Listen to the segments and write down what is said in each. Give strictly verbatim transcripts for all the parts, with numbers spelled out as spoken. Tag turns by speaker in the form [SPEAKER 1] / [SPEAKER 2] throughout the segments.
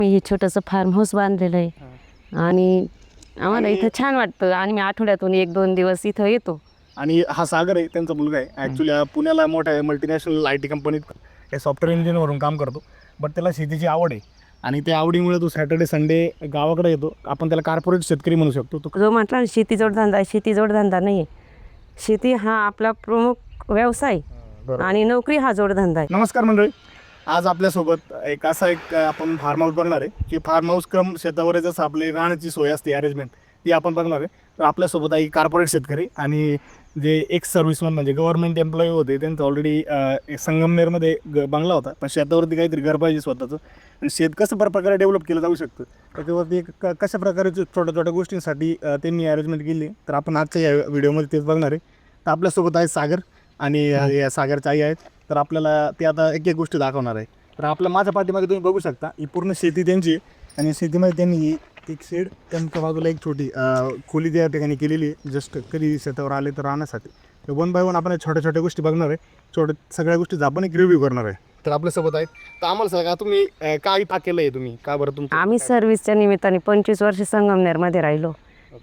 [SPEAKER 1] मी हे छोटंसं form house बांधलेलं आहे आणि आम्हाला इथं छान वाटतं आणि मी आठवड्यातून एक दोन दिवस इथं येतो.
[SPEAKER 2] आणि हा सागर आहे त्यांचा मुलगा आहे. ॲक्च्युली पुण्याला मोठ्या मल्टीनॅशनल आय टी कंपनीत हे सॉफ्टवेअर इंजिनियरवरून काम करतो. बट त्याला शेतीची आवड आहे आणि त्या आवडीमुळे तो सॅटर्डे संडे गावाकडे येतो. आपण त्याला कॉर्पोरेट शेतकरी म्हणू शकतो. तो
[SPEAKER 1] जो म्हटला ना शेती जोडधंदा आहे, शेती जोडधंदा नाही आहे. शेती हा आपला प्रमुख व्यवसाय आणि नोकरी हा जोडधंदा आहे.
[SPEAKER 2] नमस्कार मंडळी, आज आपल्यासोबत एक असा एक आपण फार्म हाऊस बघणार आहे की फार्म हाऊस कम शेतावर जसं आपली राहण्याची सोय असते अरेंजमेंट ती आपण बघणार आहे. तर आपल्यासोबत आहे कॉर्पोरेट शेतकरी आणि जे एक्स सर्व्हिसमन म्हणजे गव्हर्नमेंट एम्प्लॉई होते. त्यांचं ऑलरेडी संगमनेरमध्ये ग बंगला होता, पण शेतावरती काहीतरी घर पाहिजे स्वतःचं आणि शेत कसं प्रकारे डेव्हलप केलं जाऊ शकतं त्याच्यावरती एक क कशा प्रकारे छोट्या छोट्या गोष्टींसाठी त्यांनी अरेंजमेंट केली. तर आपण आजच्या या व्हिडिओमध्ये तेच बघणार आहे. तर आपल्यासोबत आहे सागर आणि या सागरच्या आई आहेत. तर आपल्याला ते आता एक एक गोष्टी दाखवणार आहे. तर आपल्या माझ्या पाठीमागे तुम्ही बघू शकता ही पूर्ण शेती त्यांची आणि शेतीमध्ये त्यांनी एक शेड त्यांच्या बाजूला एक छोटी खोली त्या ठिकाणी केलेली आहे जस्ट कधी शेतावर आले तर राहण्यासाठी. तर वन बाय वन आपण छोट्या छोट्या गोष्टी बघणार आहे. छोट्या सगळ्या गोष्टी आपण एक रिव्ह्यू करणार आहे. तर आपल्यासोबत आहेत. तर आम्हाला सांगा तुम्ही काय का केलं आहे, तुम्ही का बरं तुमचं
[SPEAKER 1] आम्ही सर्व्हिसच्या निमित्ताने पंचवीस वर्ष संगमनेरमध्ये राहिलो,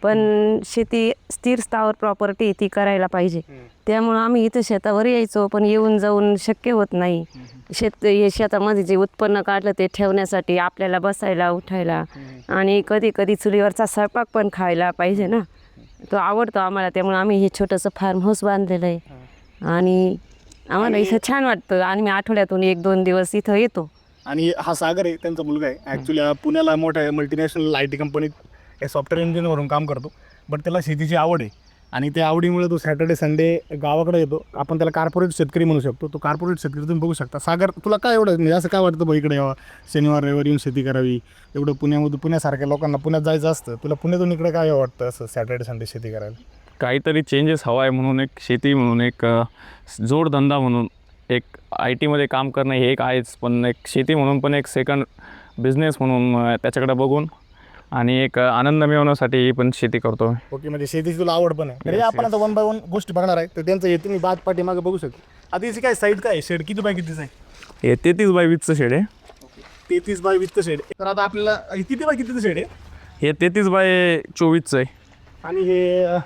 [SPEAKER 1] पण शेती स्थिर स्थावर प्रॉपर्टी ती करायला पाहिजे. त्यामुळं आम्ही इथं शेतावर यायचो, पण येऊन जाऊन शक्य होत नाही. शेत हे शेतामध्ये जे उत्पन्न काढलं ते ठेवण्यासाठी आपल्याला बसायला उठायला आणि कधी कधी चुलीवरचा स्वयंपाक पण खायला पाहिजे ना, तो आवडतो आम्हाला. त्यामुळे आम्ही हे छोटंसं फार्म हाऊस बांधलेलं आहे आणि आम्हाला इथं छान वाटतं आणि मी आठवड्यातून एक दोन दिवस इथं येतो.
[SPEAKER 2] आणि हा सागर आहे त्यांचा मुलगा आहे. ॲक्च्युली पुण्याला मोठ्या मल्टीनॅशनल आय टी कंपनीत हे सॉफ्टवेअर इंजिनियरवरून काम करतो. बट त्याला शेतीची आवड आहे आणि त्या आवडीमुळे तो सॅटर्डे संडे गावाकडे येतो. आपण त्याला कॉर्पोरेट शेतकरी म्हणू शकतो. तो कॉर्पोरेट शेतकरी तुम्ही बघू शकता. सागर, तुला काय एवढं म्हणजे असं काय वाटतं बघ इकडे यावं, शनिवार रविवार येऊन शेती करावी, एवढं पुण्यामधून पुण्यासारख्या लोकांना पुण्यात जायचं असतं, तुला पुण्यातून इकडे काय वाटतं असं सॅटर्डे संडे शेती करायला?
[SPEAKER 3] काहीतरी चेंजेस हवा आहे म्हणून एक शेती म्हणून एक जोडधंदा म्हणून एक आय टीमध्ये काम करणं हे एक आहेच, पण एक शेती म्हणून पण एक सेकंड बिझनेस म्हणून त्याच्याकडे बघून आणि एक आनंद मिळवण्यासाठी ही पण शेती करतो.
[SPEAKER 2] ओके, म्हणजे शेतीची तुला आवड पण आहे. तर आपण आता वन बाय वन गोष्टी बघणार आहे. तर त्यांचं हे तुम्ही बाद पाठीमागे बघू शकता. आता याची काय साईड काय शेड किती बाय कितीच आहे?
[SPEAKER 3] हे तेहतीस बाय वीसचं शेड आहे.
[SPEAKER 2] तेहतीस बाय वीसचं शेड. तर आता आपल्याला किती बाय कितीचं शेड आहे?
[SPEAKER 3] हे तेहतीस बाय चोवीसचं आहे.
[SPEAKER 2] आणि हे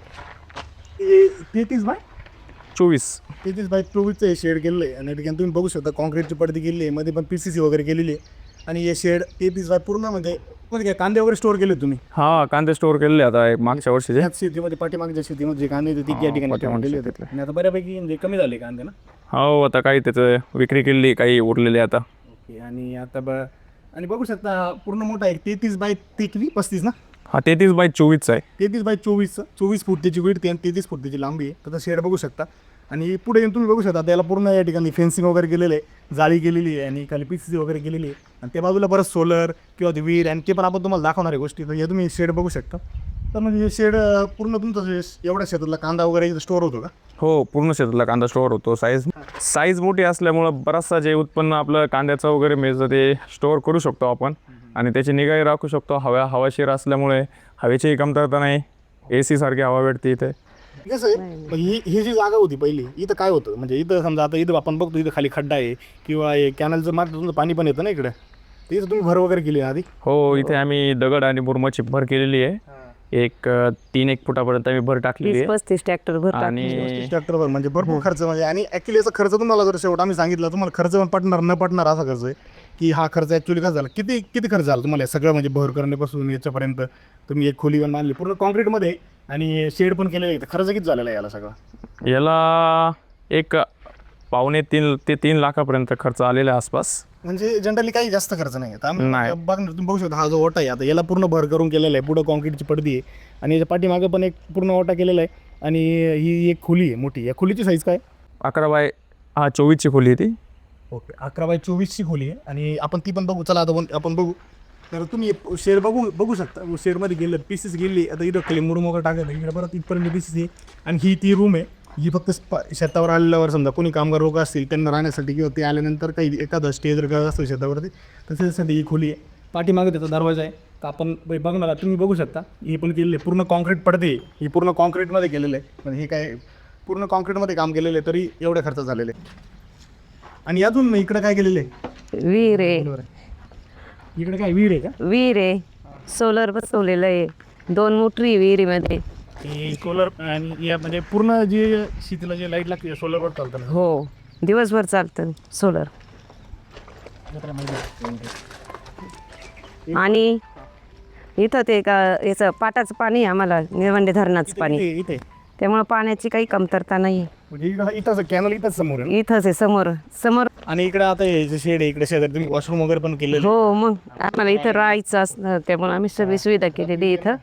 [SPEAKER 2] तेहतीस बाय
[SPEAKER 3] चोवीस
[SPEAKER 2] तेहतीस बाय चोवीसचं हे शेड केलेलं आहे. आणि ठिकाणी तुम्ही बघू शकता कॉन्क्रीटची पडदी केलेली आहे, मध्ये पण पी सी सी वगैरे केलेली आहे. आणि हे शेड तेहतीस बाय पूर्ण म्हणजे म्हणजे काय कांदे वगैरे स्टोअर केले तुम्ही?
[SPEAKER 3] हां, कांदे स्टोअर केलेले आता एक मागच्या वर्षीचे.
[SPEAKER 2] ह्याच शेतीमध्ये पाठीमागच्या शेतीमध्ये जे कांदे होते ती या ठिकाणी ठेवलेले होते आणि आता बऱ्यापैकी म्हणजे कमी झाले कांदे ना.
[SPEAKER 3] हो, आता काही त्याचं विक्री केली, काही उरलेले आता.
[SPEAKER 2] ओके. आणि आता ब आणि बघू शकता पूर्ण मोठा आहे तेहतीस बाय ते किती पस्तीस ना?
[SPEAKER 3] हा तेहतीस बाय चोवीसचा आहे.
[SPEAKER 2] तेहतीस बाय चोवीसचं चोवीस फूट त्याची विड्थ आणि तेहतीस फूट त्याची लांबी आहे. त्याचा शेड बघू शकता. आणि पुढे येऊन तुम्ही बघू शकता त्याला पूर्ण या ठिकाणी फेन्सिंग वगैरे केलेलं आहे, जाळी केलेली आहे आणि खाली पी सी सी वगैरे केलेली आहे. आणि त्या बाजूला परत सोलर किंवा ते वीर आणि ते पण आपण तुम्हाला दाखवणार आहे गोष्टी. तर हे तुम्ही शेड बघू शकता. तर म्हणजे हे शेड पूर्ण तुमचं एवढ्या शेतातला कांदा वगैरे स्टोअर होतो का?
[SPEAKER 3] हो, पूर्ण शेतातला कांदा स्टोअर होतो. साईज साईज मोठी असल्यामुळं बराचसा जे उत्पन्न आपलं कांद्याचं वगैरे मिळतं ते स्टोअर करू शकतो आपण आणि त्याची निगाही राखू शकतो. हवा हवाशीर असल्यामुळे हवेचीही कमतरता नाही, ए सी सारखी हवा भेटते इथे.
[SPEAKER 2] कसं आहे ही ही जी जागा होती पहिली इथं काय होतं म्हणजे इथं समजा आता इथं आपण बघतो इथं खाली खड्डा आहे किंवा हे कॅनलचं मार्ग तुमचं पाणी पण येतं ना इकडे, तर इथं तुम्ही भर वगैरे केली आधी?
[SPEAKER 3] हो, इथे आम्ही दगड आणि मुरमाची भर केलेली आहे. एक तीन एक फुटापर्यंत आम्ही भर टाकलेली आहे.
[SPEAKER 1] पस्तीस ट्रॅक्टर भर
[SPEAKER 3] आणि
[SPEAKER 2] ट्रॅक्टरवर म्हणजे भरपूर खर्च म्हणजे. आणि ॲक्च्युली याचा खर्च तुम्हाला जर शेवट आम्ही सांगितलं तुम्हाला खर्च पण पटणार न पटणार असा खर्च आहे की हा खर्च ॲक्च्युली कसा झाला, किती किती खर्च झाला तुम्हाला सगळं म्हणजे भर करण्यापासून याच्यापर्यंत? तुम्ही एक खोली पण बांधली पूर्ण कॉन्क्रीटमध्ये आणि शेड पण केलेलं आहे. खर्च किती झालेला आहे याला सगळं?
[SPEAKER 3] याला एक पावणे तीन ते तीन लाखापर्यंत खर्च आलेला आहे आसपास.
[SPEAKER 2] म्हणजे जनरली काही जास्त खर्च नाही आहे.
[SPEAKER 3] नाही.
[SPEAKER 2] बघणार तुम्ही बघू शकता हा जो ओटा आहे आता याला पूर्ण भर करून केलेला आहे. पुढं कॉन्क्रीटची पडदी आहे आणि याच्या पाठीमागं पण एक पूर्ण ओटा केलेला आहे. आणि ही एक खोली आहे मोठी. या खोलीची साईज काय?
[SPEAKER 3] अकरा बाय हा चोवीसची खोली आहे ती.
[SPEAKER 2] ओके, अकरा बाय चोवीसची खोली आहे आणि आपण ती पण बघू. चला आता आपण बघू. तर तुम्ही शेड बघू बघू शकता. शेडमध्ये गेलं पीसेस गेली आता इथं खाली मुरुम वगैरे टाकत इकडे परत इथपर्यंत पीसेस आहे. आणि ही ती रूम आहे ही फक्त शेतावर आलेल्यावर समजा कोणी कामगार लोक असतील त्यांना राहण्यासाठी किंवा ते आल्यानंतर काही एखादा स्टे जर करत असतो शेतावरती तर त्याच्यासाठी ही खोली आहे. पाठीमागं त्याचा दरवाजा आहे का आपण बघणार तुम्ही बघू शकता. ही पण केलेली आहे पूर्ण कॉन्क्रीट पडते, ही पूर्ण कॉन्क्रीटमध्ये केलेलं आहे. म्हणजे हे काय पूर्ण कॉन्क्रीटमध्ये काम केलेलं आहे तरी एवढे खर्च झालेले आहे. आणि यातून इकडं काय केलेलं आहे?
[SPEAKER 1] विहीर आहे,
[SPEAKER 2] बरोबर आहे. इकडे काय विहीर आहे का?
[SPEAKER 1] विहीर आहे, सोलर बसवलेलं आहे, दोन मोटरी आहे विहिरीमध्ये.
[SPEAKER 2] की सोलर आणि या म्हणजे पूर्ण जे शेतीला जे लाईट लागते सोलरवर चालतं ना?
[SPEAKER 1] हो, दिवसभर चालतं सोलर. आणि इथं ते का याचं पाटाचं पाणी आहे आम्हाला, निळवंडे धरणाचं पाणी,
[SPEAKER 2] इथे इथे
[SPEAKER 1] त्यामुळे पाण्याची काही कमतरता नाही.
[SPEAKER 2] म्हणजे इकडं इथंच कॅनल इथंच समोर आहे ना?
[SPEAKER 1] इथंच आहे समोर समोर.
[SPEAKER 2] आणि इकडे आता हे जे शेड आहे इकडे शेजारी तुम्ही वॉशरूम वगैरे पण केलेलं
[SPEAKER 1] हो, मग आम्हाला इथं राहायचं असतं त्यामुळे आम्ही सगळी सुविधा केलेली इथं.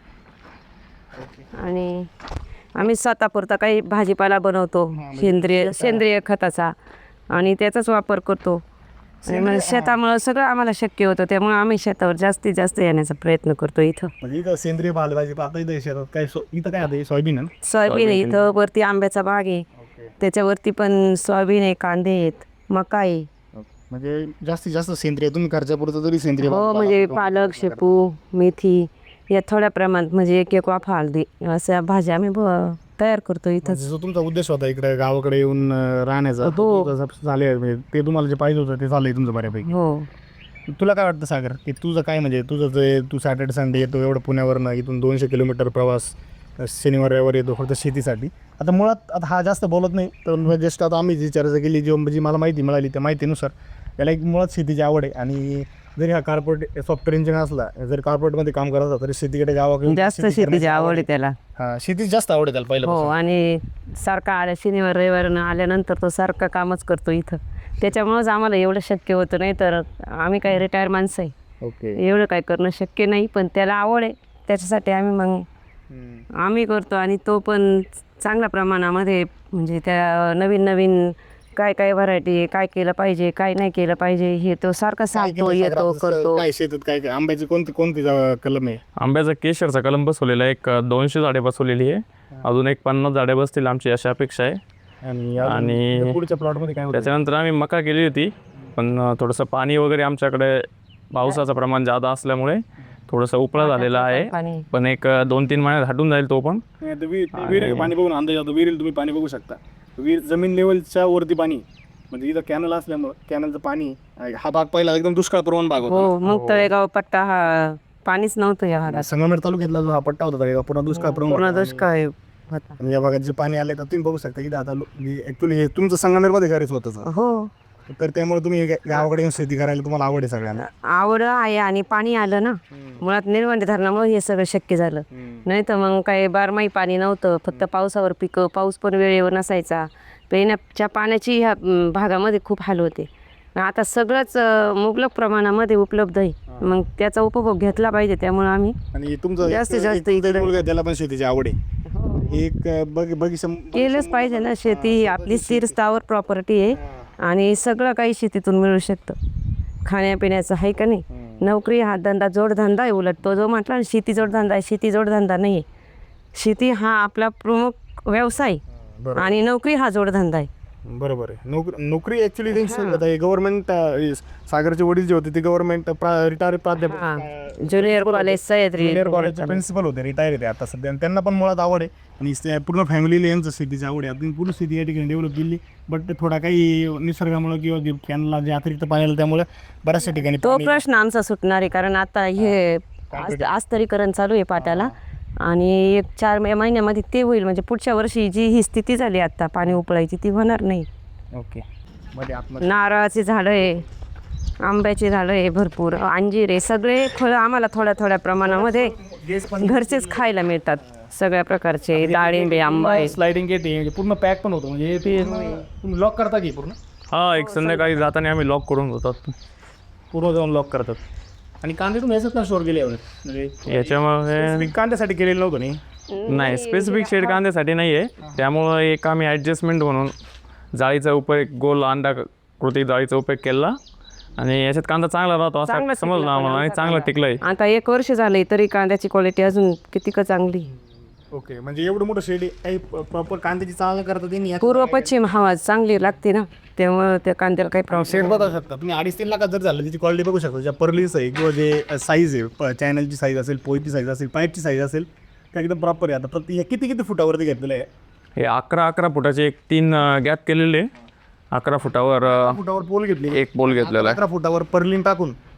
[SPEAKER 1] आणि आम्ही स्वतःपुरता काही भाजीपाला बनवतो सेंद्रिय सेंद्रिय खताचा आणि त्याचाच वापर करतो. आणि मग शेतामुळं सगळं आम्हाला शक्य होतं, त्यामुळे आम्ही शेतावर जास्तीत जास्त येण्याचा प्रयत्न करतो इथं.
[SPEAKER 2] म्हणजे इथं सेंद्रिय भाजी पाहता इथं शेतात काय सो- इथं काय आता हे सोयाबीन आहे ना?
[SPEAKER 1] सोयाबीन आहे इथं, वरती आंब्याचा बाग आहे, त्याच्यावरती पण सोयाबीन आहे, कांदे आहेत, मका आहे.
[SPEAKER 2] म्हणजे जास्तीत जास्त सेंद्रिय तुम्ही खर्चापुरतं तरी सेंद्रिय
[SPEAKER 1] हो,
[SPEAKER 2] भाजीपाला
[SPEAKER 1] म्हणजे
[SPEAKER 2] बनवतो.
[SPEAKER 1] पालक, शेपू, मेथी या थोड्या प्रमाणात म्हणजे एक एक वाफा हळदी अशा भाज्या आम्ही ब- तयार करतो इथंच.
[SPEAKER 2] म्हणजे जो तुमचा उद्देश होता इकडे गावाकडे येऊन अं, राहण्याचा
[SPEAKER 1] हो.
[SPEAKER 2] तो जसा झाले म्हणजे ते तुम्हाला जे पाहिजे होतं ते झालंय तुमचं बऱ्यापैकी.
[SPEAKER 1] हो,
[SPEAKER 2] तुला काय वाटतं सागर की तुझं काय म्हणजे तुझं जे तू सॅटर्डे संडे येतो एवढं पुण्यावरनं इथून दोनशे किलोमीटर प्रवास अं, शनिवार रविवार येतो फक्त शेतीसाठी. आता मुळात आता हा जास्त बोलत नाही तर जस्ट आता आम्ही जी चर्चा केली जी जी मला माहिती मिळाली त्या माहितीनुसार याला एक मुळात शेतीची आवड आहे. आणि जरी हा कॉर्पोरेट सॉफ्टवेअर इंजिनियर असला जरी कॉर्पोरेटमध्ये काम करत असला तरी शेतीकडे गावाकडे
[SPEAKER 1] जास्त शेतीची आवड आहे त्याला.
[SPEAKER 2] हां शेतीची जास्त आवड आहे त्याला पहिलं.
[SPEAKER 1] हो, आणि सारखा आल्या शनिवार रविवारनं आल्यानंतर तो सारखं कामच करतो इथं, त्याच्यामुळंच आम्हाला एवढं शक्य होतं. नाही तर आम्ही काही रिटायर माणसं आहे,
[SPEAKER 2] ओके.
[SPEAKER 1] एवढं काय करणं शक्य नाही, पण त्याला आवड आहे त्याच्यासाठी आम्ही मग आम्ही करतो. आणि तो पण चांगल्या प्रमाणामध्ये म्हणजे त्या नवीन नवीन काय काय व्हरायटी आहे, काय केलं पाहिजे काय नाही केलं पाहिजे हे तो सारखा सांगतो, येतो, करतो.
[SPEAKER 2] काय शेतात काय काय आंब्याची कोणती कोणती जा- कलम आहे?
[SPEAKER 3] आंब्याचा केशरचा कलम बसवलेला आहे, एक दोनशे झाडे बसवलेली आहे, अजून एक पन्नास झाडे बसतील आमची अशी अपेक्षा आहे.
[SPEAKER 2] आणि
[SPEAKER 3] आणि
[SPEAKER 2] अजून पुढच्या प्लॉटमध्ये काय होतं?
[SPEAKER 3] त्याच्यानंतर आम्ही मका केली होती, पण थोडंसं पाणी वगैरे आमच्याकडे पावसाचं प्रमाण जादा असल्यामुळे थोडंसं उपळा झालेला आहे,
[SPEAKER 1] पाणी
[SPEAKER 3] पण एक दोन तीन महिन्यात हटून जाईल तो पण.
[SPEAKER 2] नाही, आता विहीर विहीर पाणी बघून अंदाज येतो. विहिरीला तुम्ही पाणी बघू शकता, विहीर जमीन लेवलच्या वरती पाणी म्हणजे इथं कॅनल असल्यामुळं कॅनलचं पाणी हा भाग पहिला एकदम दुष्काळ प्रवण भाग होता.
[SPEAKER 1] हो, मग तळेगाव पट्टा हा पाणीच नव्हतं या भागात,
[SPEAKER 2] संगमेर तालुक्यातला जो हा पट्टा होता का पूर्ण दुष्काळ प्रवण
[SPEAKER 1] पूर्ण
[SPEAKER 2] होता.
[SPEAKER 1] दुष्काळ होता.
[SPEAKER 2] आणि या भागात जे पाणी आले तर तुम्ही बघू शकता इथं आता ॲक्च्युली हे तुमचं संगमेरमध्ये घरच होतं
[SPEAKER 1] हो,
[SPEAKER 2] तर त्यामुळे तुम्ही गा- गावाकडे येऊन शेती करायला तुम्हाला आवड आहे सगळ्यांना.
[SPEAKER 1] आवड आहे आणि पाणी आलं ना, मुळात निळवंडे धरणामुळे हे सगळं शक्य झालं. नाही तर मग काही बारमाही पाणी नव्हतं, फक्त पावसावर पिकं, पाऊस पण वेळेवर नसायचा, पिण्याच्या पाण्याची ह्या म, भागामध्ये खूप हाल होते. आता सगळंच अ, मुबलक प्रमाणामध्ये उपलब्ध आहे, मग त्याचा उपभोग घेतला पाहिजे. त्यामुळे आम्ही
[SPEAKER 2] आणि तुमचं
[SPEAKER 1] जास्तीत
[SPEAKER 2] एक-
[SPEAKER 1] जास्त
[SPEAKER 2] एक
[SPEAKER 1] इकडे-
[SPEAKER 2] मुलगा आहे, त्याला पण शेतीची आवड आहे. एक अं, बघ बगीचा
[SPEAKER 1] केलंच पाहिजे ना, शेती ही आपली स्थिर स्थावर प्रॉपर्टी आहे आणि सगळं काही शेतीतून मिळू शकतं. खाण्यापिण्याचं आहे का नाही, नोकरी हा धंदा जोडधंदा आहे. उलट तो जो म्हटला ना शेती जोडधंदा आहे, शेती जोडधंदा नाही आहे. शेती हा आपला प्रमुख व्यवसाय आणि नोकरी हा जोडधंदा आहे.
[SPEAKER 2] बरोबर आहे. नोकरी नोकरी ॲक्च्युली त्यांची गव्हर्नमेंट सागरचे वडील जे होते ते गव्हर्नमेंट रिटायर प्राध्यापक
[SPEAKER 1] हां, ज्युनियर कॉलेज सह्याद्री
[SPEAKER 2] ज्युनियर कॉलेजचे प्रिन्सिपल होते, रिटायर येते आता सध्या. आणि त्यांना पण मुळात आवड आहे आणि ते पूर्ण फॅमिलीला यांचं शेतीची आवड आहे. आता पूर्ण शेती या ठिकाणी डेव्हलप केली, बट थोडा काही निसर्गामुळे किंवा जे कॅनला जे अतिरिक्त पाणी आलं त्यामुळे बऱ्याचशा ठिकाणी
[SPEAKER 1] तो
[SPEAKER 2] पाणी-
[SPEAKER 1] प्रश्न आमचा सुटणार आहे, कारण आता हे आज- आस्तरीकरण चालू आहे पाटाला आणि एक चार मे महिन्यामध्ये ते होईल. म्हणजे पुढच्या वर्षी जी ही स्थिती झाली आता पाणी उपळायची ती होणार नाही.
[SPEAKER 2] ओके. मध्ये आतमध्ये
[SPEAKER 1] नारळाची झाडं आहे, आंब्याची झाडं आहे, भरपूर अंजीर आहे, सगळे फळं आम्हाला थोड्या थोड्या प्रमाणामध्ये घरचेच खायला मिळतात. सगळ्या प्रकारचे डाळिंबे, आंबा आहे.
[SPEAKER 2] स्लायडिंग येते म्हणजे पूर्ण पॅक पण होतं म्हणजे ते तुम्ही लॉक करता की पूर्ण
[SPEAKER 3] हा, एक संध्याकाळी जाताना आम्ही लॉक करून होतात.
[SPEAKER 2] पूर्ण जाऊन लॉक करतात. आणि कांदे तुम्ही याच्यात का स्टोअर केले यावेळेस म्हणजे
[SPEAKER 3] याच्यामुळे
[SPEAKER 2] मी कांद्यासाठी केलेलं नव्हतं नाही.
[SPEAKER 3] नाही, स्पेसिफिक शेड कांद्यासाठी नाही आहे, त्यामुळं एक आम्ही ॲडजस्टमेंट म्हणून जाळीचा उपयोग, गोल अंडा कृती जाळीचा उपयोग केला आणि याच्यात कांदा चांगला राहतो
[SPEAKER 1] चांगला
[SPEAKER 3] असं समजलं
[SPEAKER 1] टिकला
[SPEAKER 3] आम्हाला आणि
[SPEAKER 1] पण
[SPEAKER 3] चांगलं
[SPEAKER 1] आमचा
[SPEAKER 3] टिकलंय.
[SPEAKER 1] आता एक वर्ष झालंय तरी कांद्याची क्वालिटी अजून किती का चांगली.
[SPEAKER 2] ओके. म्हणजे एवढं मोठं शेड काही प्रॉपर कांद्याची चाळ करता त्यांनी
[SPEAKER 1] पूर्व पश्चिम हवा चांगली लागते ना, त्यामुळे त्या कांद्याला काही प्रॉब्लेम.
[SPEAKER 2] शेड बघू शकता तुम्ही. अडीच तीन लाखात जर झालं त्याची क्वालिटी बघू शकता. ज्या पर्लीस आहे किंवा जे साईज आहे, चॅनलची साईज असेल, पोईची साईज असेल, पाईपची साईज असेल, त्या एकदम प्रॉपर आहे. आता प्रति हे किती किती फुटावरती घेतलेलं आहे?
[SPEAKER 3] हे अकरा अकरा फुटाचे एक तीन गॅप केलेले, अकरा फुटावर अ,
[SPEAKER 2] फुटावर पोल घेतली,
[SPEAKER 3] एक पोल घेतलेला आहे.
[SPEAKER 2] अकरा फुटावर पर्लिन टाकून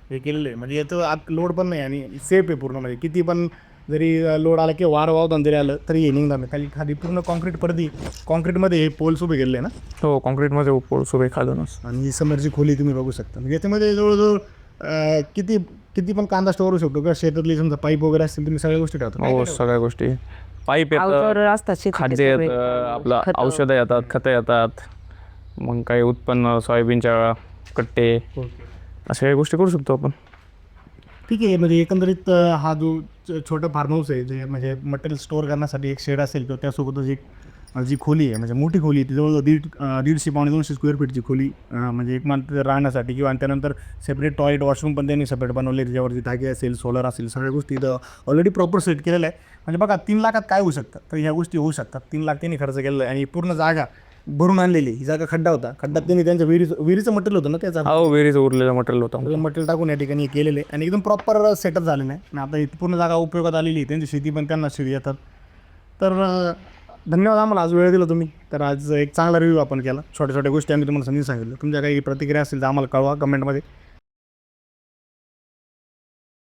[SPEAKER 2] हे केलेलं आहे. म्हणजे याचं आत लोड पण नाही आणि सेफ आहे पूर्ण. म्हणजे किती पण जरी लोड आला किंवा वारं वावदान जरी आलं तरी हे निघणार नाही. खाली खाली पूर्ण कॉन्क्रीट परदी कॉन्क्रीटमध्ये हे पोल्स उभे केलेले आहे ना.
[SPEAKER 3] हो कॉन्क्रीटमध्ये पोल्स उभे खालूनच.
[SPEAKER 2] आणि ही समोरची खोली तुम्ही बघू शकता. म्हणजे याच्यामध्ये जवळजवळ अं, किती किती पण कांदा स्टोअर होऊ शकतो किंवा शेतातली समजा पाईप वगैरे असतील तुम्ही सगळ्या गोष्टी ठेवता.
[SPEAKER 3] हो सगळ्या गोष्टी पाईप
[SPEAKER 1] अवजार
[SPEAKER 3] येतं,
[SPEAKER 1] असतात शेतीचे
[SPEAKER 3] खाद्य
[SPEAKER 1] सगळे.
[SPEAKER 3] येतं, आपलं
[SPEAKER 1] खतं.
[SPEAKER 3] औषधं येतात, खतं येतात, मग काही उत्पन्न सोयाबीनच्या कट्टे अशा काही गोष्टी करू शकतो आपण.
[SPEAKER 2] ठीक आहे. म्हणजे एकंदरीत अं, हा जो छ- छोटा फार्म हाऊस आहे जे म्हणजे मटेरियल स्टोअर करण्यासाठी एक शेड असेल किंवा त्यासोबतच एक अं, जी खोली आहे म्हणजे मोठी खोली आहे ती जवळजवळ दीड अं, दीडशे पावणे दोनशे स्क्वेअर फीटची खोली अं, म्हणजे एक माणसं राहण्यासाठी किंवा आणि त्यानंतर सेपरेट टॉयलेट वॉशरूम पण त्यांनी सेपरेट बनवले त्याच्यावरती टाकी असेल सोलर असेल सगळ्या गोष्टी इथं ऑलरेडी प्रॉपर सेट केलेल्या आहे. म्हणजे बघा तीन लाखात काय होऊ शकतात तर ह्या गोष्टी होऊ शकतात. तीन लाख त्यांनी खर्च केलेला आहे आणि पूर्ण जागा भरून आणलेली. ही जागा खड्डा होता. खड्ड्यात त्यांनी त्यांच्या विहिरीचं विहिरीचं मटेरियल होतं ना त्याचा
[SPEAKER 3] हो विहिरीचं उरलेलं मटेरियल होतं.
[SPEAKER 2] मटेरियल टाकून या ठिकाणी केलेले आहे आणि एकदम प्रॉपर सेटअप झालेलं आहे आणि आता इथे पूर्ण जागा उपयोगात आलेली आहे. त्यांची शेती पण त्यांना शेती येतात. तर अं, धन्यवाद आम्हाला आज वेळ दिला तुम्ही. तर आज एक चांगला रिव्ह्यू आपण केला. छोट्या छोट्या गोष्टी आम्ही तुम्हाला समजून सांगितलं. तुमच्या काही प्रतिक्रिया असेल तर आम्हाला कळवा कमेंटमध्ये.